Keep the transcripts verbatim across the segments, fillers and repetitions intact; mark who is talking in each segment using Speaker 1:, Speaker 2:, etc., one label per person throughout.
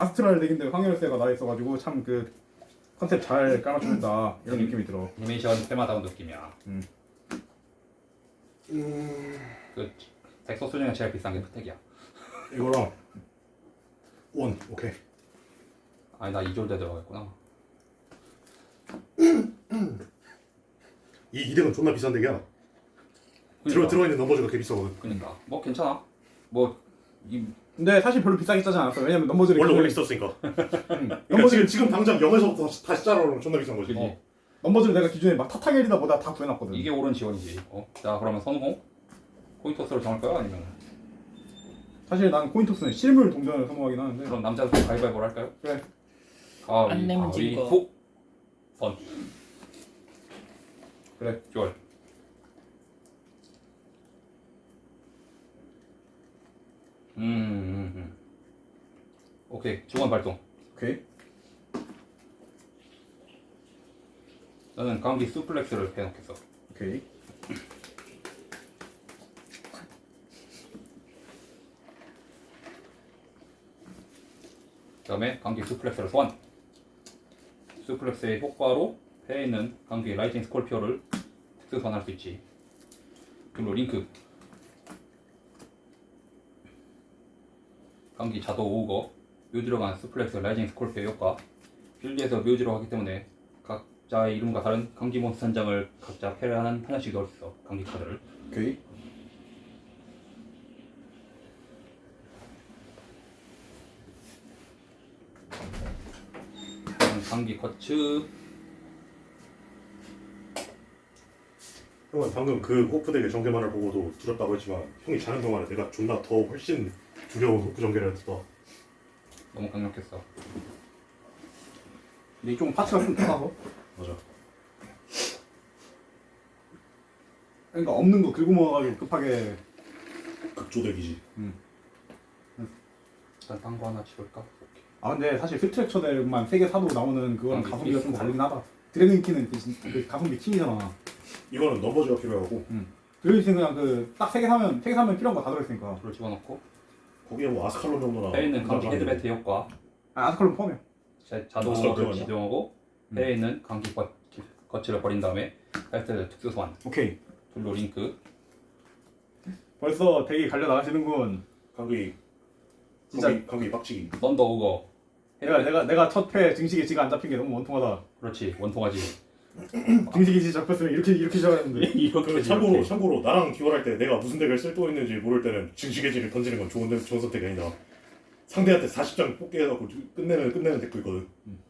Speaker 1: 아스트랄 덱인데 황열쇠가 나 있어가지고 참 그 컨셉 잘 깔아준다 이런 느낌이 들어.
Speaker 2: 애니메이션 테마다운 느낌이야.
Speaker 1: 음.
Speaker 3: 음...
Speaker 2: 그 덱소스 중에 제일 비싼 게 프텍이야.
Speaker 3: 이거랑 원 오케이.
Speaker 2: 아니 나 이졸대 들어가겠구나.
Speaker 3: 이 이덱은 존나 비싼 덱이야. 들어
Speaker 2: 그러니까.
Speaker 3: 들어 있는 넘버즈가 꽤 비싸거든.
Speaker 2: 그러니까 뭐 괜찮아. 뭐 이
Speaker 1: 근데 사실 별로 비싸게 짜지 않았어. 왜냐면 넘버즈를
Speaker 3: 원래
Speaker 1: 기존에-
Speaker 3: 원래 있었으니까.
Speaker 1: 응.
Speaker 3: 그러니까
Speaker 1: 넘버즈를
Speaker 3: 지금 지금 당장 영에서부터 다시, 다시 짜러오면 존나 비싼 거지.
Speaker 2: 그지.
Speaker 1: 넘버즈를 내가 기존에 막 타타겔이다 보다 다 구해놨거든.
Speaker 2: 이게 옳은 지원이지. 어? 자 그러면 선호 코인토스로 정할 거야 아니면
Speaker 1: 사실 난 코인토스는 실물 동전을 선호하긴 하는데.
Speaker 2: 그럼 남자들 가위바위보를 할까요?
Speaker 1: 그래.
Speaker 4: 안 내면 질 거.
Speaker 2: 가위바위보. 선.
Speaker 1: 그래.
Speaker 2: 쫄. 음, 음, 음. 오케이 중원 발동.
Speaker 1: 오케이.
Speaker 2: 나는 감기 수플렉스를 해놓겠어.
Speaker 1: 오케이.
Speaker 2: 그다음에 감기 수플렉스를 소환. 수플렉스의 효과로 배에 있는 감기 라이징 스콜피오를 특수 소환할 수 있지. 그리고 링크. 감기 자도 오우거 묘지로 간 수플렉스 라이징 스콜피오 효과. 필드에서 묘지로 하기 때문에 각자의 이름과 다른 감기 몬스터 한 장을 각자 패배하는 하나씩 넣을 수 있어. 감기 카드를.
Speaker 1: 오케이.
Speaker 2: 다음 감기 커츠.
Speaker 3: 형은 방금 그 호프 덱의 전개만을 보고도 두렵다고 했지만 형이 자는 동안에 내가 존나 더 훨씬 두려운 호프 전개를 했다.
Speaker 2: 너무 강력했어.
Speaker 1: 근데 좀 파츠가 좀 작아서.
Speaker 3: 맞아.
Speaker 1: 그러니까 없는 거 긁어 모아가지고 급하게.
Speaker 3: 극조덱이지.
Speaker 2: 일단 딴 거 하나 집을까? 오케이.
Speaker 1: 아 근데 사실 스트렉처들만 세 개 사도 나오는 그거랑
Speaker 2: 아,
Speaker 1: 가성비가 좀
Speaker 2: 있어.
Speaker 1: 다르긴 하다. 드래곤 키는 그, 진- 그 가성비 킹이잖아.
Speaker 3: 이거는 넘버즈가 필요하고
Speaker 1: 드래곤 키는 그냥 그 딱 세 개 사면 세 개 사면 필요한 거 다 들어있으니까.
Speaker 2: 불을 집어넣고
Speaker 3: 거기에 뭐 아스칼론 정도나.
Speaker 2: 배에 있는 감기
Speaker 3: 나가는
Speaker 2: 헤드베트 효과.
Speaker 1: 아 아스칼론 포함해.
Speaker 2: 자-
Speaker 3: 마스터
Speaker 2: 자동으로
Speaker 3: 그거냐?
Speaker 2: 지정하고 배에 있는 감기 거- 거치를 버린 다음에 카이스트를 특수 소환.
Speaker 1: 오케이.
Speaker 2: 블루 링크.
Speaker 1: 벌써 덱이 갈려 나가시는군.
Speaker 3: 감기
Speaker 1: 진짜-
Speaker 3: 감기 감기 빡치기.
Speaker 2: 썬더 오거.
Speaker 1: 내가 내가 내가 첫 패 증식에 지가 안 잡힌 게 너무 원통하다.
Speaker 2: 그렇지 원통하지.
Speaker 1: 증식이 지 잡혔으면 이렇게 이렇게 시작했는데.
Speaker 2: 이렇게
Speaker 3: 그 참고로
Speaker 2: 이렇게.
Speaker 3: 참고로 나랑 듀얼할 때 내가 무슨 덱을 쓸 또 있는지 모를 때는 증식의지를 던지는 건 좋은 덱- 좋은 선택이 아니다. 상대한테 사십 장 뽑게 해갖고 끝내는 끝내는 덱도 있거든.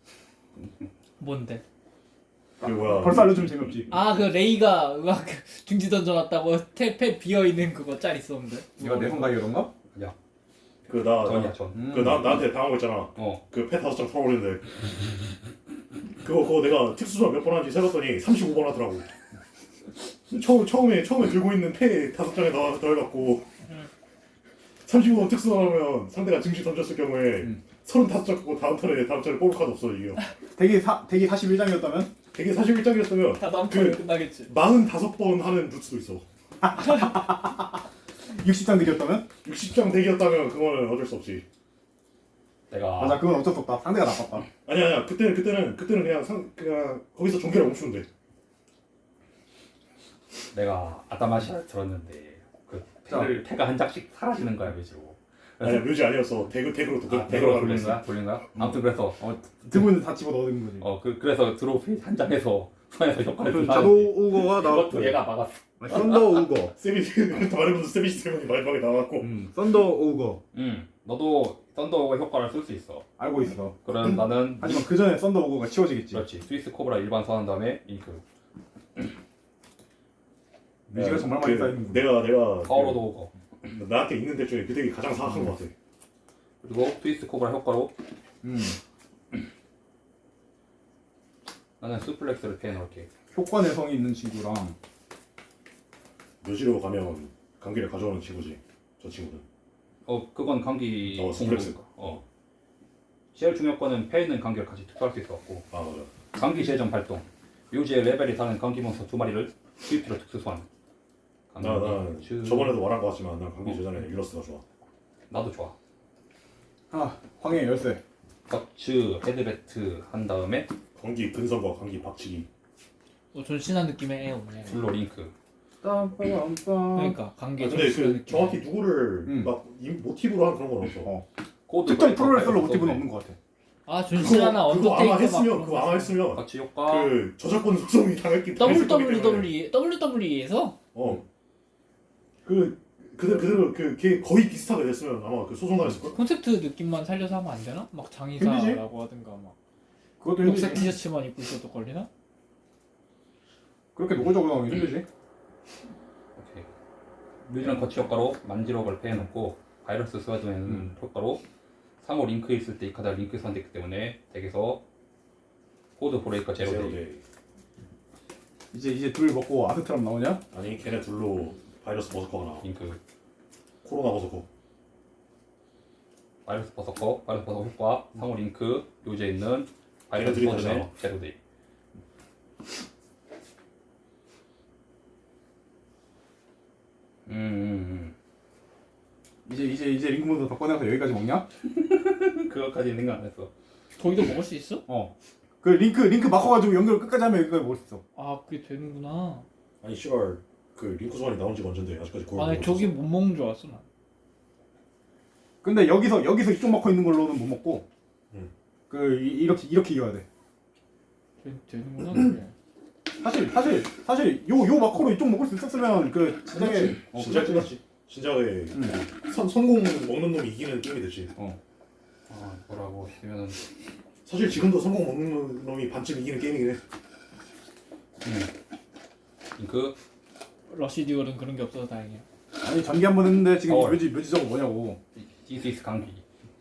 Speaker 4: 뭔데?
Speaker 3: 그 뭐야?
Speaker 1: 벌써 알려주면 재미없지.
Speaker 4: 아 그 레이가 막 중지 던져놨다고 탭에 비어있는 그거 짤 있었는데.
Speaker 1: 이거 내 성가이 이런가?
Speaker 2: 야
Speaker 3: 그나
Speaker 2: 전이야 전.
Speaker 1: 음.
Speaker 3: 그 나 나한테 당한 거 있잖아.
Speaker 2: 어.
Speaker 3: 그 패 다섯 장 털어버리는데 그거 그거 내가 특수조합 몇 번 하는지 세봤더니 삼십오 번 하더라고. 처음 처음에 처음에 들고 있는 패 다섯 장에 넣어 넣어갖고 삼십오 번 특수하면 상대가 증시 던졌을 경우에
Speaker 1: 음.
Speaker 3: 서른다섯 장 갖고 다음 턴에 다음 턴에 뽑을 카드 없어 이게.
Speaker 1: 덱이 사 덱이 사십일 장이었다면
Speaker 3: 되게 사십일 장이었으면
Speaker 4: 다 다음 턴에
Speaker 3: 그-
Speaker 4: 끝나겠지.
Speaker 3: 사십오 번 하는 루트도 있어.
Speaker 1: 육십 장 덱이었다면
Speaker 3: 육십 장 덱이었다면 그거는 어쩔 수 없지.
Speaker 2: 내가
Speaker 1: 맞아 그건 어쩔 수 없다. 상대가 나빴다.
Speaker 3: 아니야 아니야 그때는 그때는 그때는 그냥 상 그냥 거기서 전개를 멈추면 돼.
Speaker 2: 내가 아따마시 들었는데 그 패를 패가 한 장씩 사라지는 거야 묘지로.
Speaker 3: 아니야 묘지 아니었어. 덱 덱으로 도
Speaker 2: 아,
Speaker 3: 덱으로
Speaker 2: 대로
Speaker 3: 가는
Speaker 2: 돌린
Speaker 3: 거야.
Speaker 2: 거야? 돌린 거야? 아무튼 그래서 어,
Speaker 1: 들고 있는 다 집어 넣는 거지.
Speaker 2: 어 그 그래서 드로피 한 장에서 손에서 효과를
Speaker 1: 그
Speaker 2: 준다는데
Speaker 1: 자도 우거가
Speaker 2: 그것도
Speaker 1: 나왔고
Speaker 2: 얘가 막았어.
Speaker 1: 썬더 우거.
Speaker 3: 세비지 말해보면 세비지 세븐이 마지막에 나왔고
Speaker 1: 음 썬더 우거
Speaker 2: 응. 너도 썬더의 효과를 쓸 수 있어.
Speaker 1: 알고 있어.
Speaker 2: 그럼 나는
Speaker 1: 하지만 그 전에 썬더 우거가 치워지겠지.
Speaker 2: 그렇지. 스위스 코브라 일반 소환한 다음에 잉크.
Speaker 1: 뮤지가 정말 많이 쌓이는 거.
Speaker 3: 내가 내가
Speaker 2: 파워로드 오거.
Speaker 3: 그, 나한테 있는 덱 중에 그 덱이 가장 사악한 것 같아.
Speaker 2: 그리고 스위스 코브라 효과로
Speaker 1: 음
Speaker 2: 나는 수플렉스를 패해 넣을게.
Speaker 1: 효과 내성이 있는 친구랑
Speaker 3: 묘지로 가면 감기를 가져오는 친구지. 저 친구는.
Speaker 2: 어 그건 감기
Speaker 3: 어, 수플렉스.
Speaker 2: 공부니까. 어. 제일 중요한 거는 패에 있는 감기를 같이 특수할 수 있었고
Speaker 3: 아 맞아.
Speaker 2: 감기 재정 발동. 묘지의 레벨이 다른 감기 몬스터 두 마리를 스위프로 특수 소환. 감기
Speaker 3: 나 나
Speaker 2: 주-
Speaker 3: 저번에도 말한 것 같지만 난 감기
Speaker 2: 어.
Speaker 3: 재전에 유러스가 좋아.
Speaker 2: 나도 좋아.
Speaker 1: 아 황해 열쇠.
Speaker 2: 버츠 헤드베트 한 다음에
Speaker 3: 광기 근성과 광기 박치기.
Speaker 4: 어, 존신한 느낌의 애 없네.
Speaker 2: 블로 링크.
Speaker 1: 빰빰빰빰.
Speaker 4: 그러니까 관계
Speaker 3: 아, 근데 그
Speaker 4: 느낌.
Speaker 3: 정확히 누구를
Speaker 1: 음.
Speaker 3: 막 이- 모티브로 한 그런 건 없어.
Speaker 1: 어.
Speaker 2: 코드
Speaker 1: 특정
Speaker 2: 브레이커
Speaker 1: 프로레슬러
Speaker 2: 파이브
Speaker 1: 모티브는
Speaker 2: 서브네.
Speaker 1: 없는 것 같아.
Speaker 4: 아 존신하나
Speaker 3: 그거, 그거
Speaker 4: 언더테이커
Speaker 3: 아마 했으면
Speaker 4: 막
Speaker 3: 그거 아마 했으면
Speaker 2: 같이 효과.
Speaker 3: 그 저작권 소송이 당했기 당했을 거기 때문에.
Speaker 4: 더블유더블유이 더블유더블유이에서
Speaker 3: 어. 그 그대로 그대로 그걔 거의 비슷하게 됐으면 아마 그 소송 당했을 걸.
Speaker 4: 콘셉트 느낌만 살려서 하면 안 되나? 막 장의사라고 하든가 막
Speaker 1: 그것도
Speaker 4: 녹색
Speaker 1: 힘들지.
Speaker 4: 티셔츠만 입고 있어도 걸리나?
Speaker 1: 그렇게 노골적으로 나오면 힘들지.
Speaker 2: 오케이. 뮤즈는 거치 효과로 만지로 발표해놓고 바이러스 스와드맨
Speaker 1: 음.
Speaker 2: 효과로 상호 링크 있을 때 이 카드가 링크 선택했기 때문에 덱에서 코드 브레이커 제로 데이.
Speaker 3: 데이.
Speaker 1: 이제 이제 둘 먹고 아스트람 나오냐?
Speaker 3: 아니 걔네 둘로 바이러스 버서커가 나와.
Speaker 2: 링크
Speaker 3: 코로나 버서커.
Speaker 2: 바이러스 버서커 바이러스 버서커 효과 상호 링크 요지에 있는 바이러스
Speaker 3: 걔네들이
Speaker 2: 스와드맨
Speaker 3: 다시
Speaker 2: 제로 데이. 음, 음,
Speaker 1: 이제 이제 이제 링크몬드 더 꺼내서 여기까지 먹냐?
Speaker 2: 음. 그거까지 생각 안 했어.
Speaker 4: 거기도 먹을 수 있어?
Speaker 1: 어. 그 링크 링크 바꿔가지고 연결 끝까지 하면 여기까지 먹을 수 있어.
Speaker 4: 아 그게 되는구나.
Speaker 3: 아니 씨발 그 링크 소환이 나온 지가 언젠데 아직까지 그걸
Speaker 4: 아니
Speaker 3: 모르고
Speaker 4: 저기
Speaker 3: 있었어.
Speaker 4: 못 먹는 줄 알았어 난.
Speaker 1: 근데 여기서 여기서 이쪽 막혀 있는 걸로는 못 먹고.
Speaker 3: 음.
Speaker 1: 그 이- 이렇게 이렇게 이어야 돼.
Speaker 4: 되, 되는구나 그게.
Speaker 1: 사실 사실 사실 요 요 마커로 이쪽 먹을 수 있었으면 그 진작에 어,
Speaker 3: 진짜
Speaker 1: 그랬지.
Speaker 3: 끝났지. 진작에
Speaker 1: 음.
Speaker 3: 선 성공 먹는 놈이 이기는 게임이 됐지.
Speaker 1: 어.
Speaker 2: 아, 뭐라고 했으면은
Speaker 3: 사실 지금도 성공 먹는 놈이 반쯤 이기는 게임이긴 해.
Speaker 2: 링크
Speaker 4: 러시 듀얼은 그런 게 없어서 다행이야.
Speaker 1: 아니 전기 한 번 했는데 지금
Speaker 2: 어.
Speaker 1: 묘지 묘지 저거 뭐냐고.
Speaker 2: 디스이스 강기.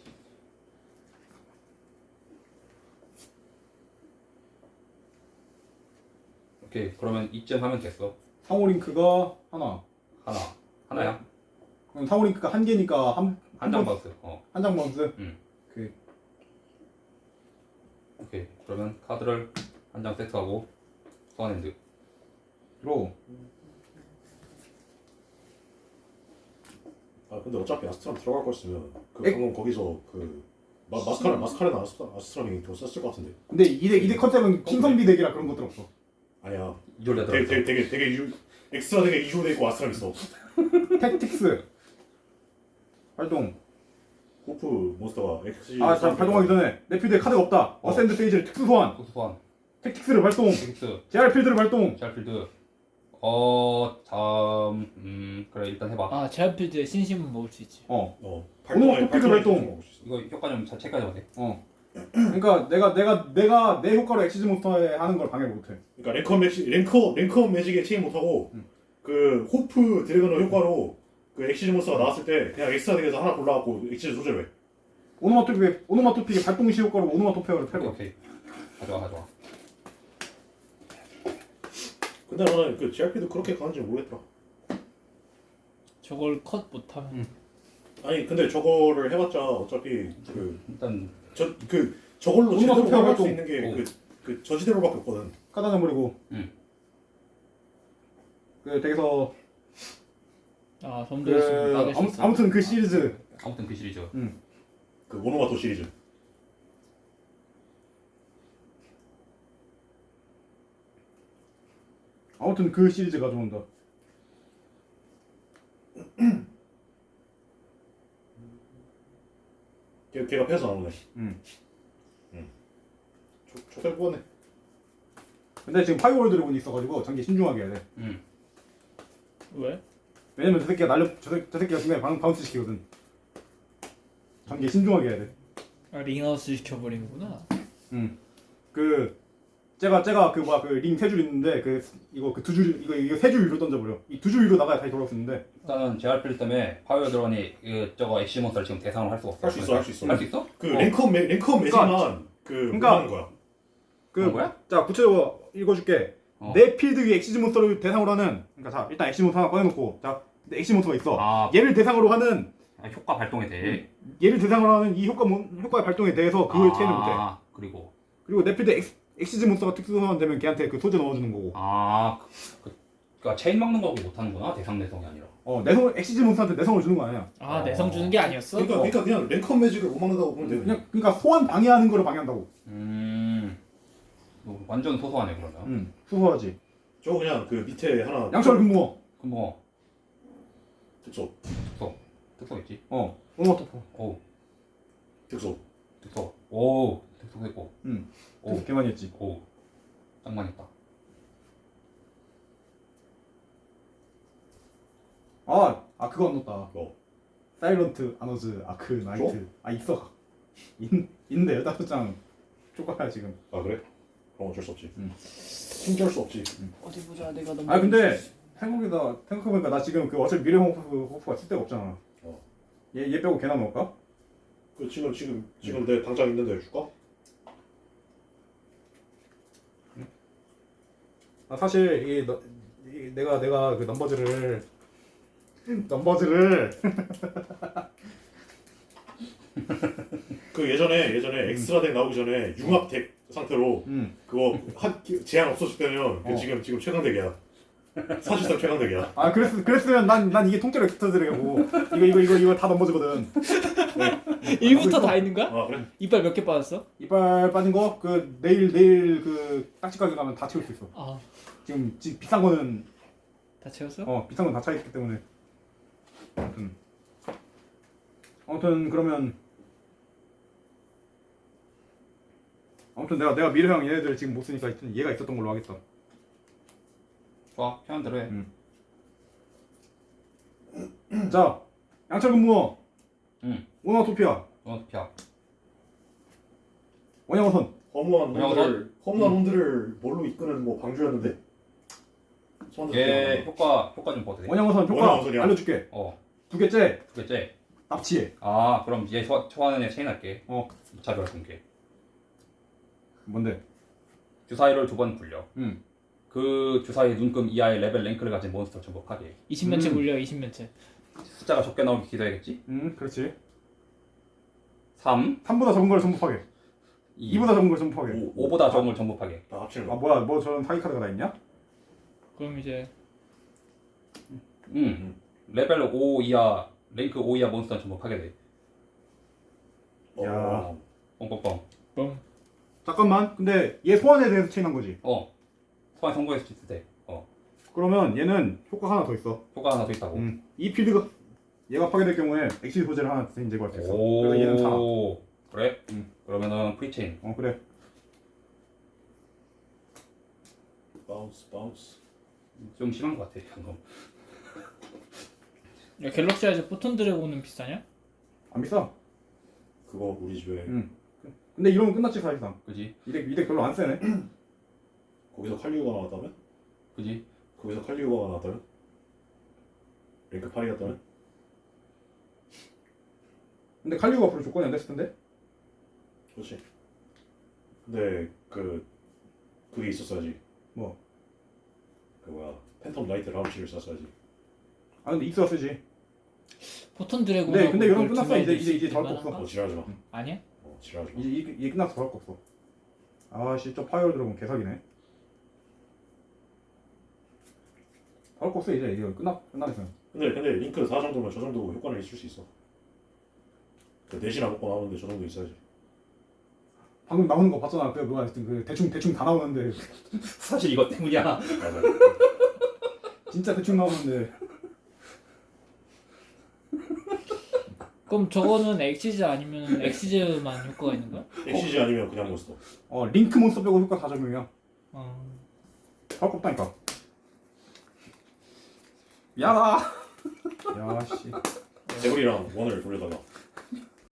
Speaker 2: 오케이, 그러면 이쯤 하면 됐어.
Speaker 1: 상호 링크가 하나.
Speaker 2: 하나 하나야.
Speaker 1: 그럼 상호 링크가 한 개니까 한
Speaker 2: 한 장 박스. 어.
Speaker 1: 한 장 바운스.
Speaker 2: 음.
Speaker 1: 그
Speaker 2: 오케이. 그러면 카드를 한 장 세트하고 소환핸드.
Speaker 1: 로.
Speaker 3: 아 근데 어차피 아스트람 들어갈 거였으면 그
Speaker 1: 에?
Speaker 3: 방금 거기서 그 마, 마스카라 마스카레나 아스트, 아스트람이 더 썼을 것 같은데.
Speaker 1: 근데 이대 이대 컨셉은 킹성비 덱이라 그런 것들 없어.
Speaker 3: 아니야.
Speaker 2: 이졸레
Speaker 3: 되게
Speaker 2: 들어있어.
Speaker 3: 되게 되게 되게 유, 엑스트라 되게 이조 돼 있고 아스트람 있어.
Speaker 1: 택틱스 활동.
Speaker 3: 호프 몬스터가 엑스.
Speaker 1: 아, 자, 발동하기 전에 내 필드에 카드가 없다.
Speaker 3: 어.
Speaker 1: 어센드 페이지를 특수 소환.
Speaker 2: 소스 소환.
Speaker 1: 택틱스를 발동.
Speaker 2: 텍스.
Speaker 1: 제알 필드를 발동.
Speaker 2: 샬필드. 어, 다음 음 그래 일단 해봐.
Speaker 4: 아 제아필드의 신심은 먹을 수 있지.
Speaker 1: 어.
Speaker 3: 어.
Speaker 1: 오너마 토픽을 발동.
Speaker 3: 먹을 수 있어.
Speaker 2: 이거 효과 좀 잘 체크해야 돼.
Speaker 1: 어. 그러니까 내가 내가 내가 내 효과로 엑시즈 몬스터에 하는 걸 방해 못 해.
Speaker 3: 그러니까 랭커 매직 랭커 랭커 매직에 체인 못 하고
Speaker 1: 음.
Speaker 3: 그 호프 드래곤의 효과로 그 엑시즈 몬스터가 나왔을 때 그냥 엑스트라 덱에서 하나 골라갖고 엑시즈 소재로 해.
Speaker 1: 오노마토픽의 오노마토픽의 발동 시 효과로 오노마토페어를
Speaker 2: 오케이,
Speaker 1: 패고.
Speaker 2: 오케이. 가져와 가져와.
Speaker 3: 근데 나는 그 지알피도 그렇게 가는지 모르겠더라.
Speaker 4: 저걸 컷 못하면
Speaker 2: 음.
Speaker 3: 아니 근데 저거를 해봤자 어차피 그
Speaker 2: 일단
Speaker 3: 저 그 저걸로
Speaker 1: 오너마
Speaker 3: 제대로
Speaker 1: 투표가
Speaker 3: 활용할 수
Speaker 1: 또-
Speaker 3: 있는 게
Speaker 2: 어.
Speaker 3: 그 그 저지대로밖에 없거든.
Speaker 1: 카드 한 장 버리고.
Speaker 2: 음.
Speaker 1: 그 덱에서
Speaker 4: 아
Speaker 1: 그
Speaker 4: 점도 있으면 막을 수
Speaker 1: 아무,
Speaker 4: 있어.
Speaker 1: 아무튼 그 시리즈
Speaker 2: 아무튼 그 시리즈.
Speaker 3: 그 모노마토 시리즈.
Speaker 1: 아무튼 그 시리즈 가져온다.
Speaker 3: 걔 걔가 패서 나오네.
Speaker 1: 음.
Speaker 3: 음. 조 조대 뽑았네.
Speaker 1: 근데 지금 파이어월 드래곤이 있어가지고 장기 신중하게 해야 돼.
Speaker 2: 음.
Speaker 4: 왜?
Speaker 1: 왜냐면 저 새끼가 날려 저, 새, 저 새끼가 중간에 방, 바운스 시키거든. 장기 신중하게 해야 돼.
Speaker 4: 아 링아웃을 시켜버리는구나.
Speaker 1: 음. 그 제가 제가 그 뭐야 그 링 세 줄 있는데 그 이거 그 두 줄 이거 이거 세 줄 위로 던져버려. 이 두 줄 위로 나가야 다시 돌아올 수 있는데.
Speaker 2: 일단은 제알필드 때문에 파이어 드론이 그 저거 엑시 몬스터를 지금 대상으로 할 수가 없어.
Speaker 3: 할 수 있어, 할수 있어.
Speaker 2: 할 수 있어?
Speaker 3: 그
Speaker 2: 어.
Speaker 3: 랭커 매 랭커 매직만 그
Speaker 1: 그러니까-
Speaker 3: 하는 거야.
Speaker 1: 그
Speaker 2: 그런 거야?
Speaker 1: 자 구체적으로 읽어줄게.
Speaker 2: 어.
Speaker 1: 내 필드 위에 엑시즈 몬스터를 대상으로 하는 그러니까 자 일단 엑시즈 몬스터 하나 꺼내놓고 자 엑시즈 몬스터가 있어.
Speaker 2: 아,
Speaker 1: 얘를 대상으로 하는
Speaker 2: 아, 효과 발동에 대해.
Speaker 1: 얘를 대상으로 하는 이 효과 몬, 효과의 발동에 대해서 그걸 체인을 못해.
Speaker 2: 아, 그리고
Speaker 1: 그리고 내 필드 엑, 엑시즈 몬스터가 특수 소환되면 걔한테 그 소재 넣어주는 거고.
Speaker 2: 아, 그, 그 그러니까 체인 막는 거하고 못하는구나. 대상 내성이 아니라.
Speaker 1: 어 내성 엑시즈 몬스터한테 내성을 주는 거 아니야.
Speaker 4: 아 내성 주는 게 아니었어?
Speaker 3: 그러니까 그러니까 그냥 랭컴 매직을 못 막는다고 보면 돼.
Speaker 1: 그냥 그러니까 소환 방해하는 거를 방해한다고.
Speaker 2: 음. 뭐 완전 소소하네 그러면.
Speaker 1: 응. 소소하지.
Speaker 3: 저거 그냥 그 밑에 하나
Speaker 1: 양철 금붕어.
Speaker 2: 그럼 뭐
Speaker 3: 특소
Speaker 2: 특소 특소 있지.
Speaker 1: 어. 오너 토포.
Speaker 2: 오
Speaker 3: 특소
Speaker 2: 특소. 오 특소 됐고.
Speaker 1: 응.
Speaker 2: 오.
Speaker 1: 그래서 개 많이 했지.
Speaker 2: 오 짱만 했다.
Speaker 1: 아, 아 그거 안 넣었다.
Speaker 3: 뭐
Speaker 1: 사일런트 아너즈 아크 나이트. 아 있어. 있, 있는데 열다섯 장 쪼가야 지금.
Speaker 3: 아 그래? 그럼 어쩔 수 없지.
Speaker 1: 응.
Speaker 3: 숨길 수 없지.
Speaker 4: 어디 보자 내가 너무.
Speaker 1: 아 근데 생각보다 생각해보니까 나 지금 그 어차피 미래 호프 호프가 쓸 데가 없잖아.
Speaker 3: 어.
Speaker 1: 얘 얘 빼고 걔나 넣을까?
Speaker 3: 그 지금 지금 지금 내 당장 있는데 줄까?
Speaker 1: 아 사실 이, 너, 이 내가 내가 그 넘버즈를 넘버즈를
Speaker 3: 그 예전에 예전에 엑스트라 덱 나오기 전에 융합 덱 상태로
Speaker 1: 음.
Speaker 3: 그거 한 제한 없어질 때면 그
Speaker 1: 어.
Speaker 3: 지금 지금 최강 덱이야. 사실상 최강 덱이야.
Speaker 1: 아 그랬 그랬으면 난 난 이게 통째로 엑스터드래고 이거 이거 이거 이거 다 넘버즈거든.
Speaker 4: 일부터 다 있는 거야?
Speaker 3: 아 그래?
Speaker 4: 이빨 몇 개 빠졌어?
Speaker 1: 이빨 빠진 거 그 내일 내일 그 딱지 가게 가면 다 채울 수 있어.
Speaker 4: 아 다
Speaker 1: 지금 지, 비싼 거는
Speaker 4: 채웠어?
Speaker 1: 어 비싼 건 다 차 있기 때문에. 아무튼 아무튼 그러면 아무튼 내가 내가 미래형 얘네들 지금 못 쓰니까 하여튼 얘가 있었던 걸로 하겠다.
Speaker 2: 좋아 편한 대로 해.
Speaker 1: 음. 자 양철 근무어
Speaker 2: 응.
Speaker 1: 오나토피아
Speaker 2: 어 피야.
Speaker 1: 원양어선
Speaker 3: 허무한
Speaker 2: 그냥
Speaker 3: 놈들을 허무한 놈들을 뭘로 이끄는 뭐 방주였는데. 소환자
Speaker 2: 얘
Speaker 3: 기억나.
Speaker 2: 효과 효과 좀 봐도 돼.
Speaker 1: 원양어선 효과
Speaker 3: 원양어선이야.
Speaker 1: 알려줄게.
Speaker 2: 어
Speaker 1: 두 개째
Speaker 2: 두 개째.
Speaker 1: 납치해.
Speaker 2: 아 그럼 얘 소, 소환은 애 체인 할게.
Speaker 1: 어
Speaker 2: 자료할 공개.
Speaker 1: 뭔데?
Speaker 2: 주사위를 두 번 굴려.
Speaker 1: 음.
Speaker 2: 그 주사위 눈금 이하의 레벨 랭크를 가진 몬스터 전부 파괴.
Speaker 4: 이십 면체
Speaker 1: 음.
Speaker 4: 굴려 이십 면체.
Speaker 2: 숫자가 적게 나오길 기도해야겠지?
Speaker 1: 음 그렇지.
Speaker 2: 삼,
Speaker 1: 삼보다 적은 걸 전부 파괴.
Speaker 2: 이,
Speaker 1: 이보다 적은 걸 전부 파괴.
Speaker 3: 오,
Speaker 2: 오보다 적은 걸 전부 파괴.
Speaker 3: 다 합치는
Speaker 1: 아
Speaker 3: 거.
Speaker 1: 뭐야 뭐 저런 사기 카드가 다 있냐?
Speaker 4: 그럼 이제
Speaker 2: 음. 레벨 오 이하, 랭크 오 이하 몬스터는 전부 파괴돼.
Speaker 3: 어,
Speaker 1: 야.
Speaker 3: 어.
Speaker 2: 뻥뻥뻥.
Speaker 4: 뻥.
Speaker 1: 잠깐만. 근데 얘 소환에 대해서 체인한 거지.
Speaker 2: 어. 소환 성공했을 때. 어.
Speaker 1: 그러면 얘는 효과 하나 더 있어.
Speaker 2: 효과 하나 더 있다고.
Speaker 1: 음. 이 필드가 얘가 파괴될 경우에 엑시 소재를 하나 대신 제거할 수 있어. 그래서 얘는 사.
Speaker 2: 오. 그래?
Speaker 1: 음.
Speaker 2: 그러면은 프리체인.
Speaker 1: 어 그래.
Speaker 3: 바운스 바운스.
Speaker 2: 좀 심한 것 같아 방금.
Speaker 4: 야 갤럭시 아이즈 포톤 드래곤은 비싸냐?
Speaker 1: 안 비싸.
Speaker 3: 그거 우리 집에
Speaker 1: 음. 근데 이러면 끝났지 사실상.
Speaker 2: 그지?
Speaker 1: 이덱 이덱 별로 안 세네.
Speaker 3: 거기서 칼리오가 나왔다면?
Speaker 2: 그지?
Speaker 3: 거기서 칼리오가 나왔다면? 랭크 팔이었다면?
Speaker 1: 근데 칼리오가 앞으로 조건이 안 됐을 텐데.
Speaker 3: 그렇지. 근데 그 그게 있었어야지.
Speaker 1: 뭐?
Speaker 3: 그 뭐야 팬텀 라이트 라운치를 쐈어야지.
Speaker 1: 아 근데 익스가 쓰지.
Speaker 4: 포톤 드래곤.
Speaker 1: 근데 근데 이러면 끝났어. 이제 이제 이제 더할 거 없어.
Speaker 3: 어 지랄하지 마.
Speaker 4: 아니야?
Speaker 3: 어 지랄하지 마.
Speaker 1: 이제 이게, 이게 끝났어. 더할 거 없어. 아씨 저 파이어 드래곤 개사기네. 더할 거 없어 이제 이제 끝나 끝나겠어.
Speaker 3: 근데 근데 링크 사 정도면 저 정도 효과는 있을 수 있어. 그 넷이나 먹고 나오는데 저 정도 있어야지.
Speaker 1: 방금 나오는 거 봤잖아. 그 뭐야 하여튼 그 대충 대충 다 나오는데
Speaker 2: 사실 이것 때문이야.
Speaker 3: 맞아.
Speaker 1: 진짜 대충 나오는데.
Speaker 4: 그럼 저거는 엑시즈 아니면 엑시즈만 효과가 있는 거야?
Speaker 3: 엑시지 아니면 그냥 몬스터.
Speaker 1: 어 링크 몬스터 빼고 효과 다 적용이야.
Speaker 4: 어.
Speaker 1: 더할 거 없다니까.
Speaker 2: 미안하다.
Speaker 1: 야씨.
Speaker 3: 대구리랑 원을 돌려다가